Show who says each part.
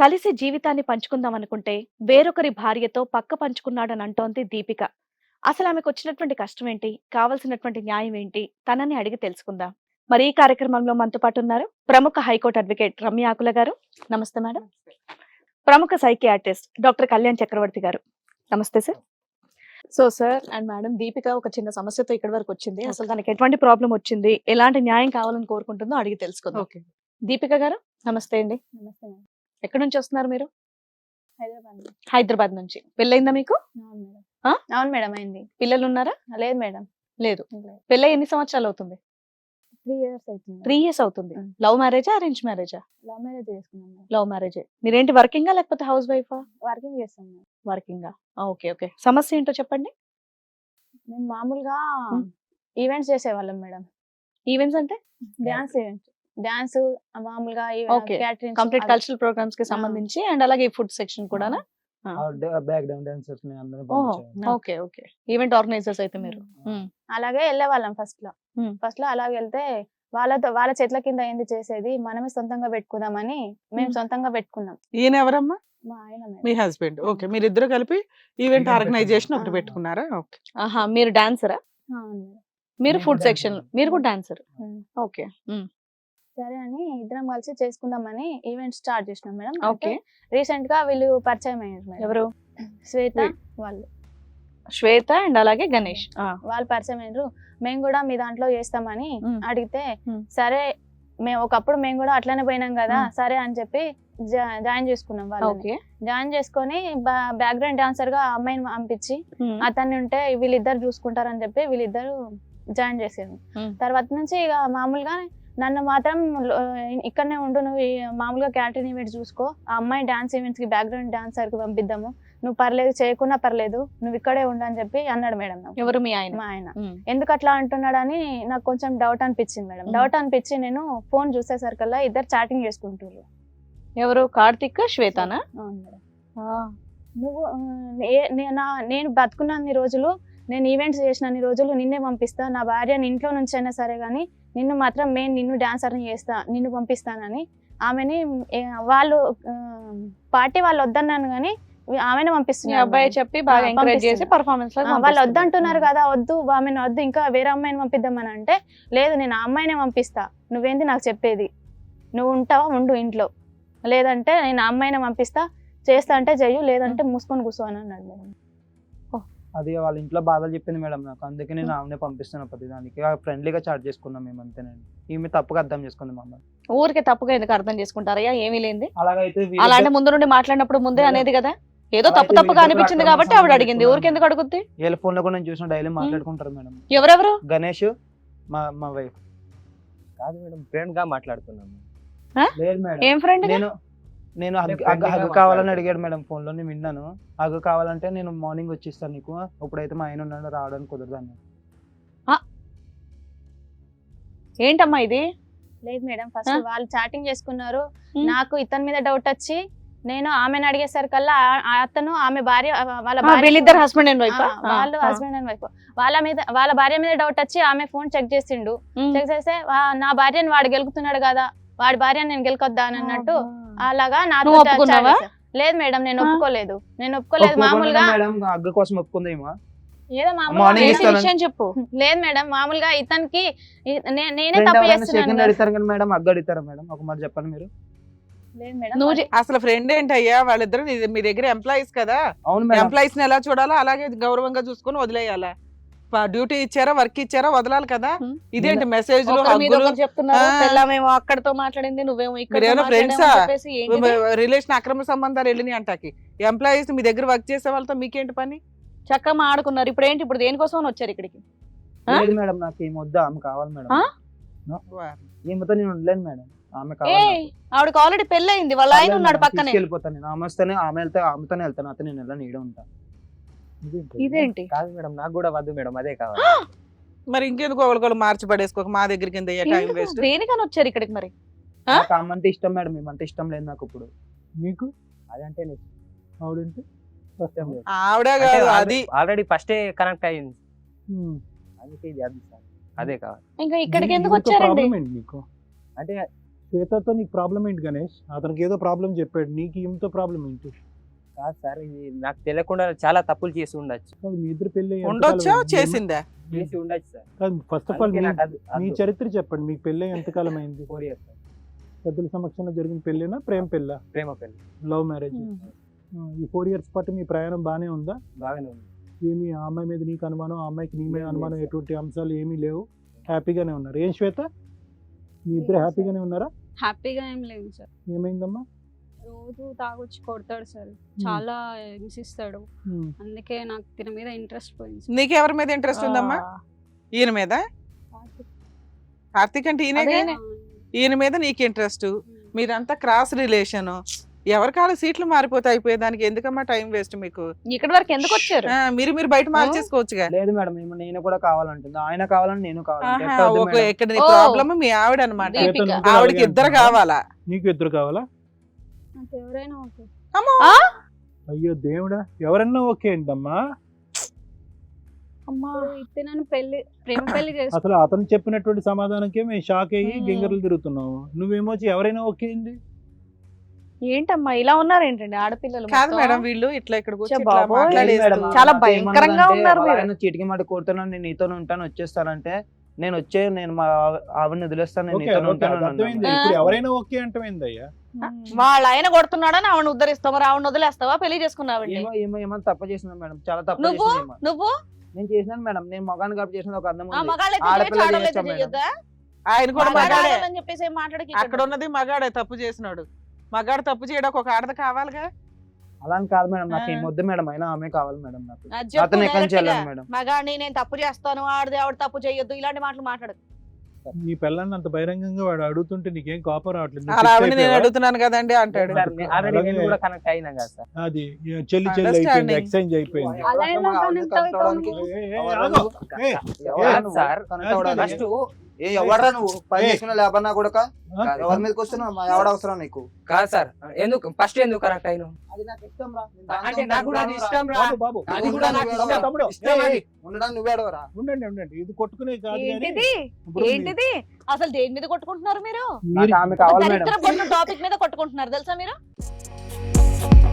Speaker 1: కలిసి జీవితాన్ని పంచుకుందాం అనుకుంటే వేరొకరి భార్యతో పక్క పంచుకున్నాడని అంటోంది దీపిక. అసలు ఆమెకొచ్చినటువంటి కష్టం ఏంటి? కావాల్సినటువంటి న్యాయం ఏంటి? తనని అడిగి తెలుసుకుందాం. మరి ఈ కార్యక్రమంలో మనతో పాటు ఉన్నారు ప్రముఖ హైకోర్టు అడ్వకేట్ రమ్య ఆకుల గారు. నమస్తే మేడం. ప్రముఖ సైకియాట్రిస్ట్ డాక్టర్ కళ్యాణ్ చక్రవర్తి గారు. నమస్తే sir. So sir and madam, Deepika ఒక చిన్న సమస్యతో ఇక్కడి వరకు వచ్చింది. అసలు తనకి ఎటువంటి ప్రాబ్లం వచ్చింది, ఎలాంటి న్యాయం కావాలని కోరుకుంటుందో అడిగి తెలుసుకుందాం.
Speaker 2: ఓకే.
Speaker 1: దీపిక గారు నమస్తే అండి.
Speaker 3: నమస్తే మేడం.
Speaker 1: ఎక్కడి నుంచి వస్తున్నారు మీరు?
Speaker 3: హైదరాబాద్ నుంచి.
Speaker 1: హైదరాబాద్ నుంచి. పెళ్ళయిందా మీకు?
Speaker 3: అవును మేడం.
Speaker 1: ఆ?
Speaker 3: అవును మేడం, అయింది.
Speaker 1: పిల్లలు ఉన్నారా?
Speaker 3: లేదు మేడం.
Speaker 1: లేదు. పెళ్ళై ఎన్ని సంవత్సరాలు అవుతుంది?
Speaker 3: 3 years అవుతుంది.
Speaker 1: 3 years అవుతుంది.
Speaker 3: Mm.
Speaker 1: లవ్ మ్యారేజా అరేంజ్ మ్యారేజా?
Speaker 3: లవ్ మ్యారేజ్ చేసుకున్నాం మేడం.
Speaker 1: లవ్ మ్యారేజే. మీరేంటి వర్కింగా లేకపోతే హౌస్ వైఫా?
Speaker 3: వర్కింగ్ చేస్తాం మేడం.
Speaker 1: వర్కింగా. Okay okay. సమస్య ఏంటో చెప్పండి.
Speaker 3: మేము మామూలుగా
Speaker 1: Mm.
Speaker 3: ఈవెంట్స్ చేసేవాళ్ళం మేడం.
Speaker 1: ఈవెంట్స్ అంటే
Speaker 3: డాన్స్ ఈవెంట్స్, డాన్స్ మామూలుగా
Speaker 1: Okay.
Speaker 3: Catering
Speaker 1: complete cultural programmes కి సంబంధించి అండ్ అలాగే ఫుడ్ సెక్షన్ కూడానా?
Speaker 4: బ్యాక్ డౌన్ డాన్సర్స్ ని అందరిని
Speaker 1: ఓహో
Speaker 4: పంపించాము.
Speaker 1: Okay okay. ఈవెంట్ ఆర్గనైజర్స్ అయితే మీరు.
Speaker 3: అలాగే వెళ్ళేవాళ్ళం ఫస్ట్ లో.
Speaker 1: Mm.
Speaker 3: ఫస్ట్ లో అలాగే వెళ్తే వాళ్ళ చెట్ల కింద ఏంది చేసేది, మనమే సొంతంగా పెట్టుకుందామని మేము
Speaker 1: Mm.
Speaker 3: సొంతంగా పెట్టుకున్నాం.
Speaker 2: ఈయన ఎవరమ్మా?
Speaker 3: మా ఆయన మేడం.
Speaker 2: మీ హస్బెండ్. ఓకే, మీరిద్దరు కలిపి ఈవెంట్
Speaker 4: Event
Speaker 2: ఆర్గనైజేషన్ ఒకటి
Speaker 3: పెట్టుకున్నాం.
Speaker 2: పెట్టుకున్నారా? ఓకే.
Speaker 1: ఆహా, మీరు డాన్సరా?
Speaker 3: అవును మేడం.
Speaker 1: మీరు
Speaker 4: నేను
Speaker 1: ఫుడ్
Speaker 4: dancer.
Speaker 1: సెక్షన్, మీరు కూడా డాన్సర్.
Speaker 3: Mm.
Speaker 1: ఓకే.
Speaker 3: సరే అని ఇద్దరం కలిసి చేసుకుందామని ఈవెంట్ స్టార్ట్ చేసినాం మేడం.
Speaker 1: ఓకే.
Speaker 3: రీసెంట్ గా వీళ్ళు పరిచయం అయ్యారు మేడం.
Speaker 1: ఎవరు?
Speaker 3: శ్వేత
Speaker 1: వీళ్ళు.
Speaker 3: వాళ్ళు
Speaker 1: శ్వేత అండ్ అలాగే గణేష్.
Speaker 3: వాళ్ళు పరిచయం అయ్యారు. మేము కూడా మీ దాంట్లో చేస్తామని
Speaker 1: Mm.
Speaker 3: అడిగితే
Speaker 1: Mm.
Speaker 3: సరే ఒకప్పుడు మేము కూడా అట్లనే పోయినాం కదా,
Speaker 1: Mm.
Speaker 3: సరే అని చెప్పి జాయిన్ చేసుకున్నాం వాళ్ళని.
Speaker 1: ఓకే.
Speaker 3: జాయిన్ చేసుకొని బ్యాక్గ్రౌండ్ డాన్సర్ గా అమ్మాయిని పంపించి అతన్ని ఉంటే వీళ్ళిద్దరు చూసుకుంటారని చెప్పి వీళ్ళిద్దరు జాయిన్ చేసారు.
Speaker 1: Mm.
Speaker 3: తర్వాత నుంచి ఇక మామూలుగా నన్ను మాత్రం ఇక్కడనే ఉండు, నువ్వు మామూలుగా క్యాటరింగ్ ఈవెంట్స్ చూసుకో, ఆ అమ్మాయి డాన్స్ ఈవెంట్స్ కి బ్యాక్గ్రౌండ్ డాన్సర్ కి పంపిద్దాము, నువ్వు పర్లేదు చేయకున్నా పర్లేదు, నువ్వు ఇక్కడే ఉండు అని చెప్పి అన్నాడు మేడం నాకు.
Speaker 1: ఎవరు మీ ఆయన?
Speaker 3: మా ఆయన
Speaker 1: ఉమ్.
Speaker 3: ఎందుకు అట్లా అంటున్నాడని నాకు కొంచెం డౌట్ అనిపించింది మేడం.
Speaker 1: Mm.
Speaker 3: డౌట్ అనిపించి నేను ఫోన్ చూసేసరికల్లా ఇద్దరు చాటింగ్ చేసుకుంటారు.
Speaker 1: ఎవరు? కార్తిక్ శ్వేతనా?
Speaker 3: అవును మేడం. నువ్వు నేను బతుకున్నన్ని రోజులు, నేను ఈవెంట్స్ చేసినన్ని రోజులు నిన్నే పంపిస్తా, నా భార్యని ఇంట్లో నుంచి అయినా సరే కానీ నిన్ను మాత్రం నిన్ను డాన్సర్ని చేస్తా, నిన్ను పంపిస్తానని ఆమెని వాళ్ళు పార్టీ వాళ్ళు వద్దన్నాను కానీ ఆమెను
Speaker 1: మీ
Speaker 3: పంపిస్తున్నారు.
Speaker 1: అబ్బాయి చెప్పి బాగా ఎంకరేజ్ చేసి
Speaker 3: పంపిస్తున్నా.
Speaker 1: పర్ఫార్మెన్స్
Speaker 3: వాళ్ళు వద్దంటున్నారు కదా, వద్దు ఆమెను వద్దు, ఇంకా వేరే అమ్మాయిని పంపిద్దామని అంటే, లేదు నేను ఆ అమ్మాయినే పంపిస్తా, నువ్వేంది నాకు చెప్పేది, నువ్వు ఉంటావా ఉండు ఇంట్లో, లేదంటే నేను ఆ అమ్మాయిని పంపిస్తా, చేస్తా అంటే చెయ్యు, లేదంటే మూసుకొని కూర్చో అని అన్నాడు మేడం.
Speaker 4: అది వాళ్ళ ఇంట్లో బాధలు చెప్పింది మేడం నాకు, అందుకే నేను ఆమెనే పంపిస్తున్నా ప్రతి దానికి. ఫ్రెండ్లీగా చాట్ చేసుకున్నాం మేము అంతేనండి. ఈమె తప్పుగా అర్థం చేసుకుంది మమ్మల్ని.
Speaker 1: ఊరికే తప్పుగా ఎందుకు అర్థం చేసుకుంటారయ్యా? ఏమీ లేంది.
Speaker 4: అలాగైతే
Speaker 1: అలా అంటే ముందు నుండి మాట్లాడినప్పుడు ముందే
Speaker 4: లేదు.
Speaker 1: అనేది కదా, ఏదో
Speaker 4: అలా
Speaker 1: తప్పు
Speaker 4: అయితే
Speaker 1: తప్పుగా
Speaker 4: వీళ్ళిద్దరు
Speaker 1: అనిపించింది
Speaker 4: అక్రమ
Speaker 1: కాబట్టి ఆవిడ
Speaker 4: సంబంధం
Speaker 1: అడిగింది.
Speaker 4: పెట్టుకున్నారు.
Speaker 1: ఊరికి ఎందుకు అడుగుద్ది?
Speaker 4: వీళ్ళ ఫోన్ లో కూడా నేను చూసిన డైలీ మాట్లాడుకుంటారు మేడం.
Speaker 1: ఎవరెవరు?
Speaker 4: గణేష్ మా వైఫ్.
Speaker 5: కాదు మేడం, ఫ్రెండ్ గా మాట్లాడుతున్నాము.
Speaker 4: లేదు మేడం,
Speaker 1: ఏం ఫ్రెండ్?
Speaker 4: నేను
Speaker 5: friendly
Speaker 4: హగ్గు
Speaker 5: గా
Speaker 4: కావాలని
Speaker 5: మాట్లాడుతున్నా.
Speaker 4: అడిగాడు మేడం ఫోన్ లో. నేను విన్నాను, హగ్గు కావాలంటే నేను మార్నింగ్ వచ్చేస్తాను నీకు, ఇప్పుడైతే మా ఆయన ఉన్నాడు రావడానికి కుదరదు అన్నాడు.
Speaker 1: ఏంటమ్మా ఇది?
Speaker 3: లేదు మేడం, ఫస్ట్ వాళ్ళు చాటింగ్ చేసుకున్నారు.
Speaker 1: Hmm.
Speaker 3: నాకు ఇతని మీద డౌట్ వచ్చి నేను ఆమెను అడిగేసరికల్లా అతను ఆమె భార్య వాళ్ళ
Speaker 1: వీళ్ళిద్దరు హస్బెండ్ అండ్ వైఫ్?
Speaker 3: వాళ్ళు హస్బెండ్ అండ్ వైఫ్, వాళ్ళ భార్య మీద డౌట్ వచ్చి ఆమె ఫోన్ చెక్ చేసిండు. చెక్ చేస్తే నా భార్యని వాడు గెలుకుతున్నాడు కదా, వాడి భార్యని నేను గెలుకొద్దా అని అన్నట్టు అలాగా నాతో
Speaker 1: నువ్వు ఒప్పుకున్నావా?
Speaker 3: chat చేశారు. లేదు మేడం, నేను ఒప్పుకోలేదు. మామూలుగా
Speaker 4: మేడం హగ్గు కోసం ఒప్పుకుందేమో.
Speaker 3: ఏదో
Speaker 4: Morning
Speaker 3: మామూలుగా
Speaker 4: ఇస్తాను.
Speaker 1: విషయం చెప్పు.
Speaker 3: లేదు మేడం, మామూలుగా ఇతనికి నేనే
Speaker 4: Friend
Speaker 3: తప్పు
Speaker 4: ఎవరైనా
Speaker 3: చేస్తున్నాను
Speaker 4: second
Speaker 3: కదా.
Speaker 4: అడుగుతారు కానీ మేడం హగ్గు అడుగుతారా మేడం? ఒక మాట చెప్పండి మీరు.
Speaker 3: లేదు మేడం,
Speaker 1: నువ్వు
Speaker 2: అసలు ఫ్రెండ్ ఏంటయ్యా? వాళ్ళిద్దరు మీ దగ్గర ఎంప్లాయీస్ కదా,
Speaker 4: అవును మేడం.
Speaker 2: ఎంప్లాయీస్ ని ఎలా చూడాలా అలాగే గౌరవంగా చూసుకొని వదిలేయాలా? డ్యూటీ ఇచ్చారా, వర్క్ ఇచ్చారా, వదలాలి కదా.
Speaker 1: Hmm.
Speaker 2: ఇదేంటి మెసేజ్లు,
Speaker 1: ఒకరి మీద
Speaker 2: హగ్గులు?
Speaker 1: ఒకరు చెప్తున్నారు.
Speaker 2: ఆ.
Speaker 1: పెళ్ళామేమో అక్కడితో మాట్లాడింది, నువ్వేమో ఇక్కడ
Speaker 2: మీరేమైనా friends ఆ?
Speaker 1: ఏంటిది?
Speaker 2: రిలేషన్ అక్రమ సంబంధాలు వెళ్ళినాయి అంటాకి. ఎంప్లాయీస్ మీ దగ్గర వర్క్ చేసే వాళ్ళతో మీకేంటి పని?
Speaker 1: చక్కగా మాడుకున్నారు. ఇప్పుడు ఏంటి? ఇప్పుడు దేనికోసం వచ్చారు ఇక్కడికి? ఆ?
Speaker 4: లేదు మేడం, నాకు ఏం వద్దు, ఆమె కావాలి మేడం.
Speaker 1: ఆ?
Speaker 4: ఈమెతో నేను ఉండలేను మేడం, ఆమె
Speaker 1: ఏ
Speaker 4: కావాలి నాకు.
Speaker 1: ఆవిడకి ఆల్రెడీ పెళ్ళయింది, వాళ్ళ ఆయన ఉన్నాడు పక్కనే.
Speaker 4: తీసుకెళ్ళిపోతాను నేను. ఆమె వస్తేనే ఆమె వెళ్తే ఆమెతోనే వెళ్తాను, అతను నేను ఎలా నీడే ఉంటాను.
Speaker 1: ఇదేంటి?
Speaker 5: కాదు మేడం, నాకు కూడా వద్దు మేడం, అదే కావాలి.
Speaker 2: మరి ఇంకెందుకు ఒకళ్ళు మార్చి పడేసుకోక మా దగ్గరికి టైం
Speaker 1: ఎందుకు?
Speaker 2: వేస్ట్.
Speaker 1: దేనికని వచ్చారు ఇక్కడికి మరి? ఆ?
Speaker 4: నాకు ఆమె అంటే ఇష్టం మేడం, ఏమంటే ఇష్టం లేదు నాకు ఇప్పుడు. మీకు
Speaker 5: అదంటే నీకు
Speaker 4: ఆవిడంటే
Speaker 5: ఇష్టం లేదు.
Speaker 2: ఆవిడే కాదు అది.
Speaker 5: ఆల్రెడీ ఫస్టే కనెక్ట్ అయ్యింది, అందుకే ఇది అది సార్, అదే కావాలి.
Speaker 1: ఇంకా ఇక్కడికి ఎందుకు వచ్చారండి?
Speaker 4: మీకు
Speaker 5: అంటే
Speaker 6: శ్వేతతో నీకు ప్రాబ్లం ఏంటి గణేష్? అతనికి ఏదో ప్రాబ్లం చెప్పాడు, నీకు ఈమెతో ప్రాబ్లం ఏంటి?
Speaker 5: కాదు సార్, ఇది నాకు తెలియకుండా చాలా తప్పులు చేసి ఉండొచ్చు.
Speaker 6: కాదు, మీ ఇద్దరు పెళ్ళి
Speaker 2: ఉండొచ్చా చేసిందా?
Speaker 5: చేసి ఉండొచ్చు సార్.
Speaker 6: కాదు, ఫస్ట్ ఆఫ్ ఆల్
Speaker 5: అందుకే నాకు అది-
Speaker 6: మీ
Speaker 5: అది
Speaker 6: చరిత్ర చెప్పండి. మీకు పెళ్ళి ఎంతకాలం అయింది?
Speaker 5: 4 years సార్.
Speaker 6: పెద్దల సమక్షంలో జరిగిన పెళ్ళేనా, ప్రేమ పెళ్ళా,
Speaker 5: ప్రేమ పెళ్లి
Speaker 6: లవ్ మ్యారేజ్? ఈ 4 years పాటు మీ ప్రయాణం బాగానే ఉందా?
Speaker 5: బాగానే ఉంది.
Speaker 6: ఏమి ఆ అమ్మాయి మీద నీకు అనుమానం, ఆ అమ్మాయికి నీ మీద అనుమానం, ఎటువంటి అంశాలు ఏమీ లేవు, హ్యాపీగానే ఉన్నారు. ఏం శ్వేత, మీ ఇద్దరు హ్యాపీగానే ఉన్నారా?
Speaker 7: హ్యాపీగా ఏం లేదు సార్.
Speaker 6: ఏమైందమ్మా?
Speaker 7: రోజు తాగొచ్చి కొడతాడు సార్, చాలా హింసిస్తాడు.
Speaker 6: ఉమ్.
Speaker 7: అందుకే నాకు తిన మీద ఇంట్రెస్ట్ పోయింది సార్.
Speaker 2: నీకు ఎవరి మీద ఇంట్రెస్ట్ ఉందమ్మా? ఈయన మీద? కార్తీక్ అంటే ఈయనే.
Speaker 1: అదేనే.
Speaker 2: ఈయన మీద నీకు ఇంట్రెస్ట్, మీరంతా క్రాస్ రిలేషన్. ఎవరి కాల సీట్లు మారిపోతే అయిపోయేదానికి ఎందుకమ్మా టైం వేస్ట్ మీకు?
Speaker 1: ఇక్కడి వరకు ఎందుకు వచ్చారు?
Speaker 2: మీరు బయట మార్చేసుకోవచ్చుగా.
Speaker 4: లేదు మేడం, నేను కూడా కావాలంటుంది, ఆయన కావాలని నేను కావాలంటే
Speaker 2: ఆహా,
Speaker 4: ఎట్లా అవుతుంది
Speaker 2: ఒక
Speaker 4: మేడం?
Speaker 2: ఇక్కడ నీ
Speaker 1: ఓ.
Speaker 2: ప్రాబ్లమ్ మీ ఆవిడ అనమాట.
Speaker 1: దీపిక.
Speaker 6: శ్వేత నువ్వు కూడా
Speaker 2: ఆవిడకి
Speaker 6: అలాగే
Speaker 2: ఇద్దరు
Speaker 6: అంటున్నావా?
Speaker 2: కావాలా?
Speaker 6: నీకు ఇద్దరు కావాలా?
Speaker 7: నాకు ఎవరైనా ఓకే.
Speaker 2: అమ్మో.
Speaker 1: ఆ?
Speaker 6: అయ్యో దేవుడా, ఎవరన్నా ఓకే ఏంటమ్మా?
Speaker 1: అమ్మా.
Speaker 7: ఇస్తే నన్ను ప్రేమ పెళ్లి చేసుకో.
Speaker 6: అసలు అతను చెప్పినటువంటి సమాధానంకే మేము షాక్ అయ్యి
Speaker 1: ఉమ్.
Speaker 6: గింగర్లు తిరుగుతున్నాము. నువ్వేమోచి ఎవరైనా ఓకే ఏంది?
Speaker 1: ఏంటమ్మా ఇలా ఉన్నారేంటండి ఆడపిల్లలు
Speaker 2: కాదు
Speaker 1: మొత్తం?
Speaker 2: మేడం, వీళ్ళు ఇట్లా ఇక్కడికి వచ్చి
Speaker 1: ఛే
Speaker 2: ఇట్లా
Speaker 1: బాబోయ్.
Speaker 2: మాట్లాడేస్తూ-
Speaker 4: లేదు మేడం,
Speaker 1: చాలా
Speaker 4: నాతో
Speaker 1: భయంకరంగా
Speaker 4: ఏమన్నదంటే,
Speaker 1: ఉన్నారు మీరు.
Speaker 4: ఆయన చీటికి మాట కోరుతున్నాను, నేను నీతో ఉంటాను, వచ్చేస్తానంటే నేను మా ఆవిడని వదిలేస్తాను, నేను
Speaker 6: ఓకే,
Speaker 4: నీతో
Speaker 6: ఓకే,
Speaker 4: ఉంటాను
Speaker 6: అది అర్థమైంది.
Speaker 4: అన్నాను.
Speaker 6: ఇప్పుడు ఎవరైనా ఓకే అంటమైందయ్యా?
Speaker 1: వాళ్ళ ఆయన కొడుతున్నాడని ఆవిడ ఉద్ధరిస్తావా, ఆవిడ వదిలేస్తావా, పెళ్లి చేసుకున్నావండి?
Speaker 4: ఏమో తప్పు చేసిన మేడం, చాలా తప్పు
Speaker 1: నువ్వు
Speaker 4: చేసింది.
Speaker 1: నువ్వు
Speaker 4: నేను చేసినాను మేడం, నేను మగాన్ని కాబట్టి చేసిన ఒక అర్థం
Speaker 1: ఆ
Speaker 4: ఉంది.
Speaker 1: మగాళ్ళైతే
Speaker 4: ఆడపిల్ల
Speaker 1: చేయొచ్చు, ఆడవాళ్ళైతే
Speaker 4: చేయొచ్చా మేడం?
Speaker 1: చేయొద్దా?
Speaker 2: ఆయన కూడా
Speaker 1: మగాడు
Speaker 2: మగాడే.
Speaker 1: ఆడాలని చెప్పేసి ఏం మాట్లాడకి
Speaker 2: అక్కడ ఉన్నది మగాడే తప్పు చేసినాడు. మగాడు తప్పు చేయడానికి ఒక ఆడది కావాలిగా.
Speaker 4: అలా అని కాదు మేడం, నాకు
Speaker 2: ఆ.
Speaker 4: ఏం వద్దు మేడం, అయినా ఆమె కావాలి మేడం నాకు.
Speaker 1: అది చెప్పు
Speaker 4: అతను ఎక్కడి నుంచి
Speaker 1: direct గా.
Speaker 4: వెళ్ళాను మేడం.
Speaker 1: మగాడిని నేను తప్పు చేస్తాను, ఆడది ఆవిడ తప్పు చేయొద్దు, ఇలాంటి మాటలు మాట్లాడదు.
Speaker 6: నీ పిల్లల్ని అంత బహిరంగంగా వాడు అడుగుతుంటే నీకేం కోపం రావట్లేదు? నువ్వు
Speaker 2: అలా
Speaker 6: fix
Speaker 2: ఆవిడ నేను
Speaker 6: అయిపోయావా?
Speaker 2: అడుగుతున్నాను కదండి అంటాడు.
Speaker 5: సార్, ఆల్రెడీ నేను
Speaker 6: అలాగే.
Speaker 5: కూడా కనెక్ట్ అయినా కదా సార్.
Speaker 6: అది చెల్లి అయిపోయింది,
Speaker 2: Understanding.
Speaker 6: ఎక్స్చేంజ్ అయిపోయింది.
Speaker 7: అలా ఎలా connect అవుతావు?
Speaker 6: ఆగు. ఏ,
Speaker 5: కాదు సార్,
Speaker 6: ఫస్ట్
Speaker 4: ఎవడరా నువ్వు పని
Speaker 6: ఏ.
Speaker 4: చేసుకున్నా లేబన్నా కూడా
Speaker 6: ఆ?
Speaker 4: ఎవరి మీదకి వస్తున్నావు? మా ఎవడ అవసరం నీకు?
Speaker 5: కాదు సార్, ఫస్ట్ ఎందుకు కనెక్ట్ అయినా?
Speaker 4: అది నాకు ఇష్టం రా.
Speaker 5: అంటే నాకు కూడా అది ఇష్టం రా.
Speaker 6: బాబు, బాబు,
Speaker 5: అది కూడా నాకు ఇష్టం.
Speaker 6: తమ్ముడు,
Speaker 5: ఇష్టం
Speaker 6: ఏ,
Speaker 5: అది.
Speaker 4: ఉండడానికి నువ్వే అడవరా?
Speaker 6: ఉండండి, ఇది కొట్టుకునే కాదు కానీ
Speaker 1: ఏంటిది
Speaker 6: ఇప్పుడు మీ-
Speaker 1: ఏంటిది అసలు దేని మీద కొట్టుకుంటున్నారు మీరు?
Speaker 6: మీరు
Speaker 4: నాకు ఆమె కావాలి మేడం.
Speaker 1: దరిద్ర టాపిక్ మీద కొట్టుకుంటున్నారు తెలుసా మీరు?